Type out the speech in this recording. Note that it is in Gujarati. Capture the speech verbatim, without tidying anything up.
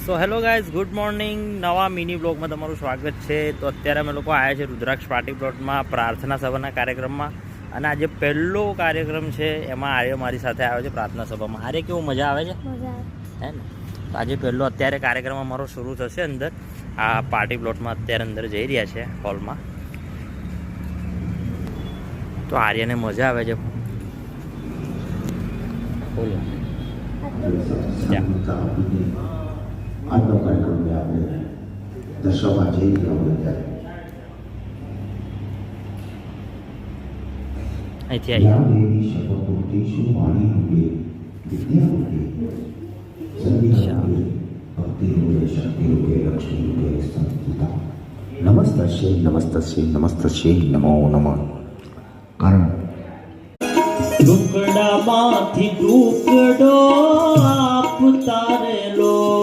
સો હેલો ગાઈઝ, ગુડ મોર્નિંગ. નવા મિની બ્લોગમાં તમારું સ્વાગત છે. તો અત્યારે અમે લોકો આવ્યા છે રુદ્રાક્ષ પાર્ટી પ્લોટમાં પ્રાર્થના સભાના કાર્યક્રમમાં. અને આજે પહેલો કાર્યક્રમ છે, એમાં આર્ય મારી સાથે આવ્યો છે પ્રાર્થના સભામાં. આર્ય કેવું મજા આવે છે હે ને? તો આજે પહેલો અત્યારે કાર્યક્રમ અમારો શરૂ થશે અંદર આ પાર્ટી પ્લોટમાં. અત્યારે અંદર જઈ રહ્યા છે હોલમાં. તો આર્યને મજા આવે છે. બોલો આજનો કાર્યક્રમ આપણે દર્શાવવા જઈ રહ્યા હોય ત્યારે અહીંથી આવી શપથોક્તિશુ વાણી રૂપે વિદ્યા રૂપે સંગીત રૂપે ભક્તિ રૂપે શક્તિ રૂપે લક્ષ્મી રૂપે સંસ્થિતા નમસ્તસ્ય નમસ્તસ્ય નમસ્તસ્ય નમો નમઃ. કારણ ટુકડામાંથી ટુકડો આપ તારેલો